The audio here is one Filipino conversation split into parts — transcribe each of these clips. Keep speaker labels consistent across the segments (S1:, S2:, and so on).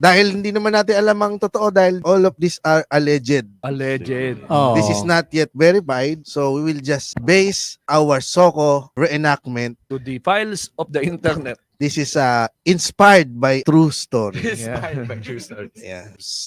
S1: Dahil hindi naman natin alam ang totoo dahil all of these are alleged.
S2: Alleged.
S3: Oh.
S1: This is not yet verified, so we will just base our Soko reenactment.
S2: To the files of the internet.
S1: This is inspired by true story.
S2: Inspired by true stories.
S1: Yeah.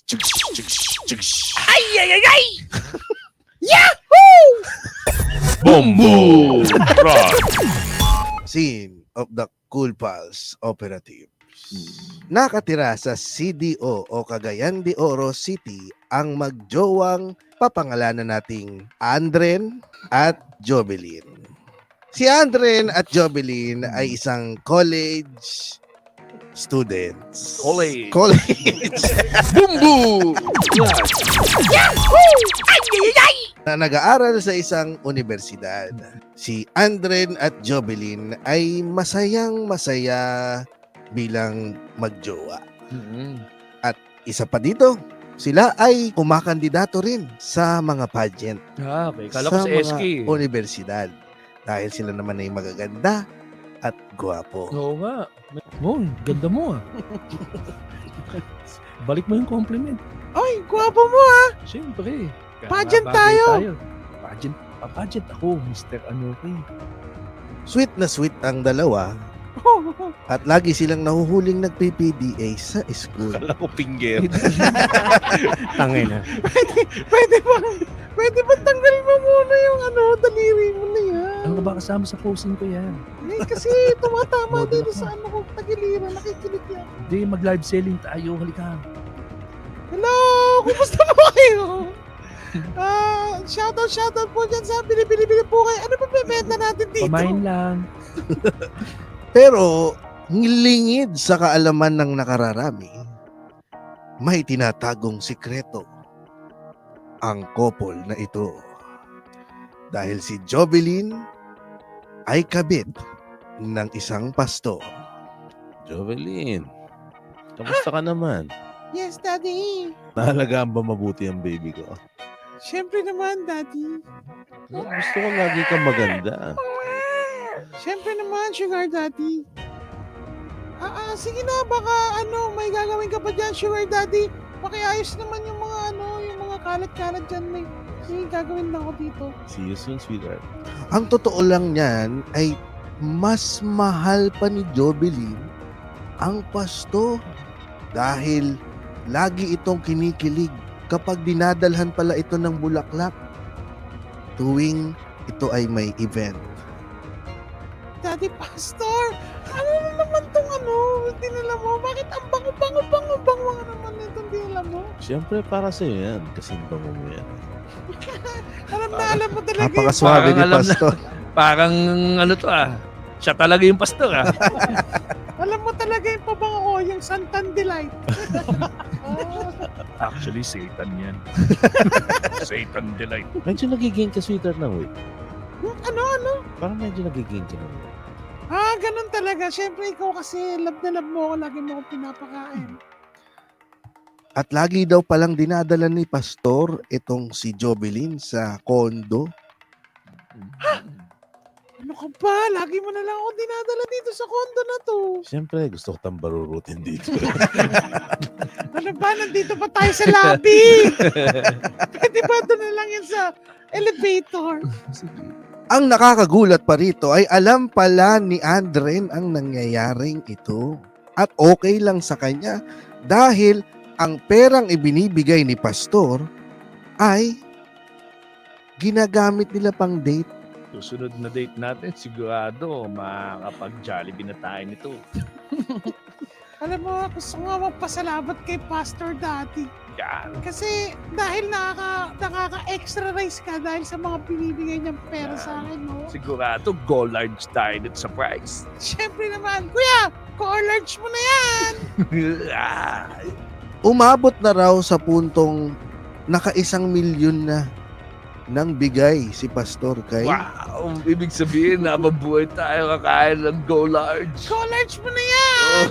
S4: Bombo Rock.
S1: Scene of the Cool Pals Operative. Nakatira sa CDO o Cagayan de Oro City ang magjowang papangalanan nating Andren at Jobelin. Si Andren at Jobelin ay isang college students.
S2: College.
S4: Bombo.
S1: Na nag-aaral sa isang universidad. Si Andren at Jobelin ay masayang-masaya bilang magjowa. Isa pa dito, sila ay kumakandidato rin sa mga pageant
S2: Okay. Kala ko sa SK.
S1: mga universidad. Dahil sila naman ay magaganda at gwapo.
S2: Oo nga. Oh, ganda mo ah. Balik mo yung compliment.
S1: Ay, gwapo mo ah!
S2: Siyempre.
S1: Pageant
S2: Bagay
S1: tayo.
S2: Pageant. Pageant ako, Mr. Ano kay.
S1: Sweet na sweet ang dalawa at lagi silang nahuhuling nagpi-PDA sa school.
S4: Kala ko finger.
S3: Tangay na.
S1: Pwede ba tanggal mo muna yung daliri mo na yan?
S2: Ano ka ba kasama sa posing ko yan?
S1: Kasi tumatama
S2: Model
S1: din
S2: ako.
S1: sa ko, tagiliran, nakikinig yan.
S2: Hindi, mag-live selling tayo. Halika.
S1: Hello! Kumusta po kayo? Shoutout po dyan sa bili po kayo. Ano ba bebenta natin dito?
S2: Pamain lang.
S1: Pero, ngilingid sa kaalaman ng nakararami, may tinatagong sikreto ang couple na ito. Dahil si Jobelin ay kabit ng isang pasto.
S4: Jovelyn, kamusta ka naman?
S1: Yes, Daddy.
S4: Naalagaan ba mabuti ang baby ko?
S1: Siyempre naman, Daddy.
S4: Gusto ko lagi kang maganda.
S1: Siyempre naman, Sugar Daddy. Sige na, baka may gagawin ka pa dyan, Sugar Daddy. Pakiayos naman yung mga yung mga kalat-kalat dyan. May gagawin na ako dito.
S4: See you soon, sweetheart.
S1: Ang totoo lang niyan ay mas mahal pa ni Jobelin ang pasto dahil lagi itong kinikilig kapag dinadalhan pala ito ng bulaklak tuwing ito ay may event. Daddy Pastor, ano na naman tong dinala mo? Bakit ang bango naman itong dinala mo?
S4: Siyempre, para sa'yo yan. Kasing bango mo yan.
S1: Alam mo talaga.
S2: Napakaswabe ni Pastor. Parang siya talaga yung pastor ah.
S1: Alam mo talaga yung pabango ko, yung Santan Delight.
S2: Actually, Satan yan. Satan delight.
S4: Medyo nagiging ka, sweetheart, na wait.
S1: Ano?
S4: Parang medyo nagiging ka na wait.
S1: Ganun talaga. Siyempre, ikaw kasi love na love mo ako. Lagi mo akong pinapakain. At lagi daw palang dinadala ni Pastor itong si Jobelin sa kondo. Ano ka ba? Lagi mo na lang ako dinadala dito sa kondo na to.
S4: Siyempre, gusto ko tambarurutin dito.
S1: Ano ba? Nandito pa tayo sa lobby. Pwede ba doon na lang yan sa elevator? Ang nakakagulat pa rito ay alam pala ni Andren ang nangyayaring ito. At okay lang sa kanya dahil ang perang ibinibigay ni Pastor ay ginagamit nila pang date.
S2: Susunod na date natin, sigurado makakapag-Jollibee na tayo nito.
S1: Alam mo, gusto nga magpasalamat kay Pastor Daddy.
S2: Yan.
S1: Kasi dahil nakaka-extra rice ka dahil sa mga binibigay niyang pera sa akin, no?
S2: Sigurado, go large tayo dito sa price.
S1: Siyempre naman, Kuya, co-large mo na yan! Umabot na raw sa puntong naka-1 milyon na nang bigay si Pastor kay...
S2: Wow! Ibig sabihin, nababuhay tayo kakain ng go large.
S1: Go large mo na yan!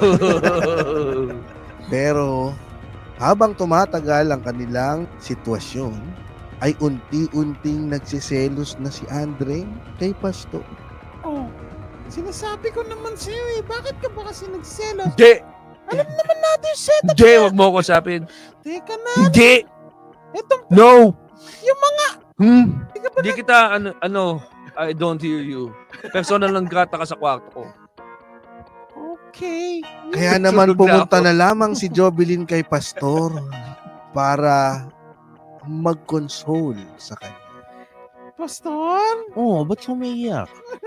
S1: Pero habang tumatagal ang kanilang sitwasyon, ay unti-unting nagsiselos na si Andre kay Pastor. Oh, sinasabi ko naman sa'yo bakit ka ba kasi nagsiselos?
S2: Hindi!
S1: Alam naman natin yung setup.
S2: Hindi, wag mo ako usapin.
S1: Teka na.
S2: Hindi!
S1: Itong,
S2: No!
S1: yung mga,
S2: Hindi kita, I don't hear you. Personal lang grata ka sa kwarto ko.
S1: okay. Kaya naman
S2: Sunog na
S1: pumunta
S2: ako.
S1: na lamang si Jovelyn kay Pastor para mag-console sa kanya. Pastor?
S4: Oo, ba't ka umiiyak?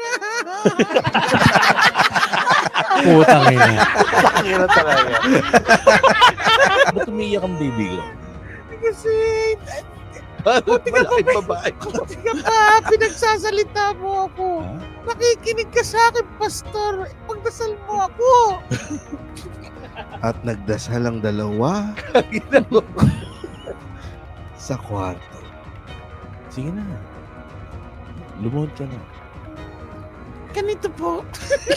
S3: Putang ina.
S4: Pakira talaga. Ba't umiiyak ang baby ko?
S1: Kasi,
S4: Malaking babae ko.
S1: buti ka pa, pinagsasalita mo ako.
S4: Ha?
S1: Nakikinig ka sa akin, Pastor. Pagdasal mo ako. At nagdasal ang dalawa sa kwarto.
S4: Sige na. Lumuhod ka na.
S1: Ganito po.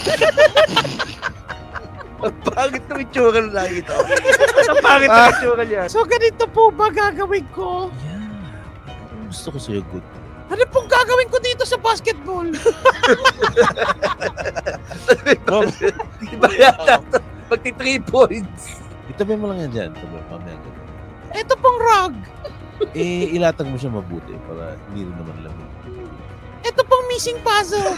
S2: Ang pangit ng itsura na nakikita ko. Ang pangit ng itsura niya.
S1: So ganito po ba gagawin ko?
S4: Yeah. Gusto ko sa'yo good.
S1: Ano pong gagawin ko dito sa basketball?
S2: Diba yata? Magti 3 points.
S4: Itabi mo lang yan dyan. Itabi mo mamaya ka.
S1: Ito pong rug.
S4: Ilatag mo siya mabuti para hindi rin naman lamig.
S1: Ito pong missing puzzle.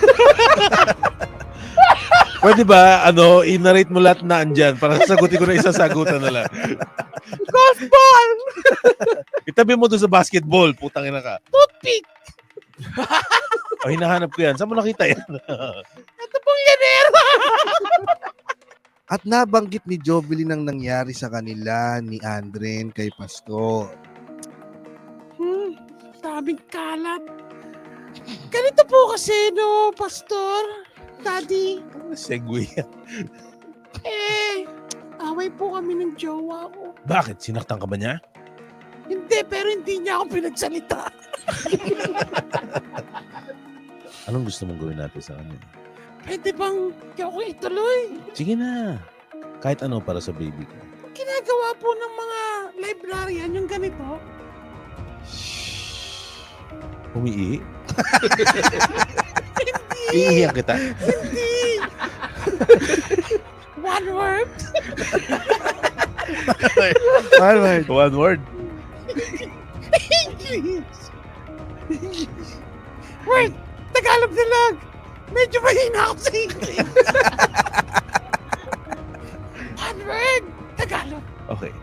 S4: Pwede ba, i-narrate mo lahat na andyan para sagutin ko na isang sagutan na lang.
S1: Golf ball.
S4: Itabi mo doon sa basketball. Putang ina ka.
S1: Toothpick.
S4: O, hinahanap ko yan. Saan mo nakita yan?
S1: Ito pong yanero. At nabanggit ni Jovelyn ang nangyari sa kanila ni Andren kay Pastor. Daming kalat. Ganito po kasi, no, Pastor, Daddy.
S4: Segway yan.
S1: Away po kami ng jowa ko.
S4: Bakit? Sinaktan ka ba niya?
S1: Hindi, pero hindi niya ako pinagsalita.
S4: Anong gusto mong gawin natin sa kanya?
S1: Pwede bang ako ituloy?
S4: Sige na. Kahit ano para sa baby ko.
S1: Ginagawa po ng mga librarian yung ganito.
S4: Umiihi? Iihiyan kita.
S1: Hindi! One word?
S4: One word. One word.
S1: English! Word! Tagalog na lang! Medyo mahina ako sa English! One word! Tagalog!
S4: Okay.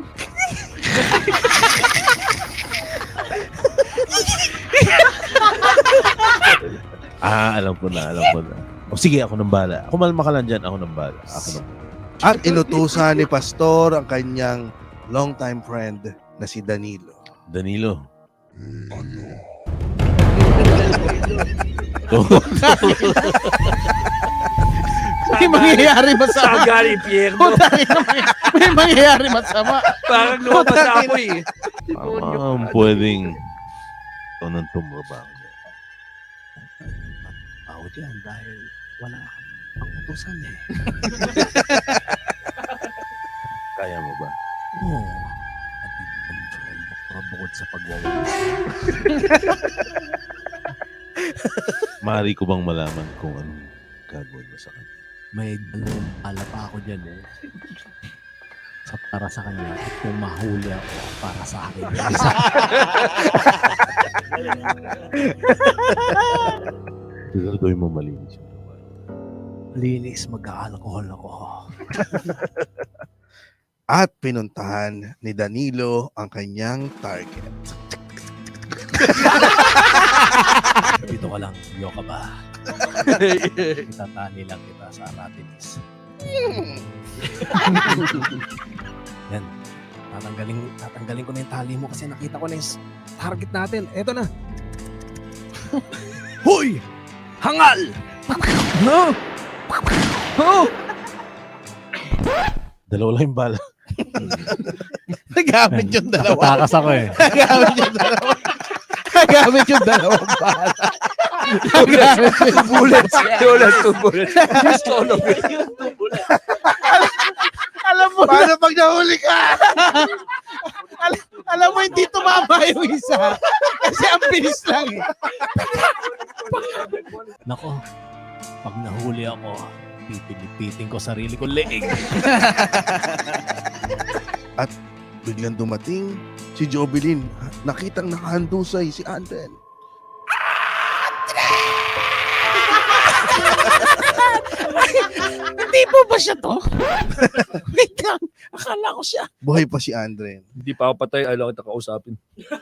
S4: Alam ko na. O sige, ako nang bala. Ako malma ka lang dyan, ako nang bala. Ako nang
S1: At inutusan ni Pastor ang kanyang longtime friend na si Danilo.
S4: Danilo.
S1: May mangyayari
S2: Saan galing, Pierno?
S1: May mangyayari masama.
S2: Parang lumabas ako eh.
S4: Pwedeng ito nang tumaba ako dyan.
S1: Ako dyan dahil wala ang utusan eh.
S4: Kaya mo ba?
S1: Oo. At bukod sa pagwawalis.
S4: Maaari ko bang malaman kung anong gagawin mo sa kanya?
S3: May dalawang pala pa ako dyan eh. Para sa kanya at kung mahuli ako para sa akin. Isa.
S4: Siguraduhin mo malinis yung lugar.
S3: Linis, mag-aalcohol ako.
S1: At pinuntahan ni Danilo ang kanyang target.
S3: Dito ka lang, yo ka ba? Itatali lang kita sa Aratilis. Yan. Tatanggalin ko na yung tali mo kasi nakita ko na yung target natin. Eto na.
S2: Hoy! Hangal! No! Oh!
S4: Dalawa lang yung bala.
S1: Nagamit yung dalawa.
S3: Nakatakas ako eh.
S1: Nagamit yung dalawa. Nagamit yung dalawang bala. Nagamit yung
S2: Bullets! Two bullets. Just all of it.
S1: Alam mo, paano pag nahuli ka? alam mo, hindi tumama yung isa. Kasi ang bilis lang eh.
S3: Nako, pag nahuli ako, Pipilipitin ko sarili ko leeg.
S1: Biglang dumating si Jovelyn. Nakitang nakahandusay si Andren.
S3: Hindi po ba siya to? Wait lang. Akala ko siya.
S1: Buhay pa si Andren.
S2: Hindi pa ako patay, ayaw kita kausapin.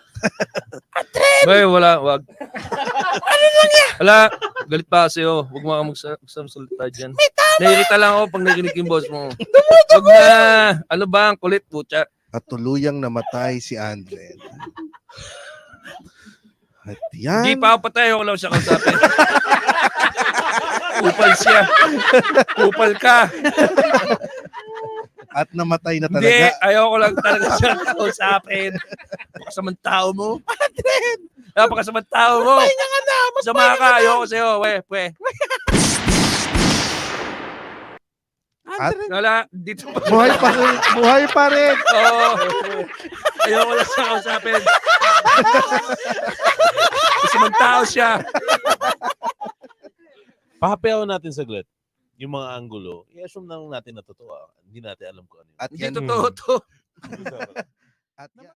S2: Bay, wala, wag. Wala, galit pa sa'yo. Huwag mo ka magsalita dyan. Nairita lang ako pag narinig yung boss mo. Huwag na. Ano ba ang kulit, putya?
S1: At tuluyang namatay si Andren. At yan.
S2: Hindi pa ako patay, ako lang siya kausapin. Kupal siya. Kupal ka.
S1: At namatay na
S2: Hindi,
S1: talaga.
S2: ayaw ko lang talaga siya kausapin. Napakasamang tao mo. Napakasamang tao mo. Sama ka, ayaw ko sa'yo. We.
S1: At
S2: Wala, dito pa.
S1: buhay pa rin. Buhay pa rin.
S2: Oo. Ayaw ko lang siya kausapin. Kasamang tao siya.
S4: Pahapayaw natin saglit. Yung mga angulo, i-assume na lang natin na totoo. Hindi natin alam kung ano yun.
S1: At
S2: Hindi
S1: yan.
S2: totoo to.
S1: At yan.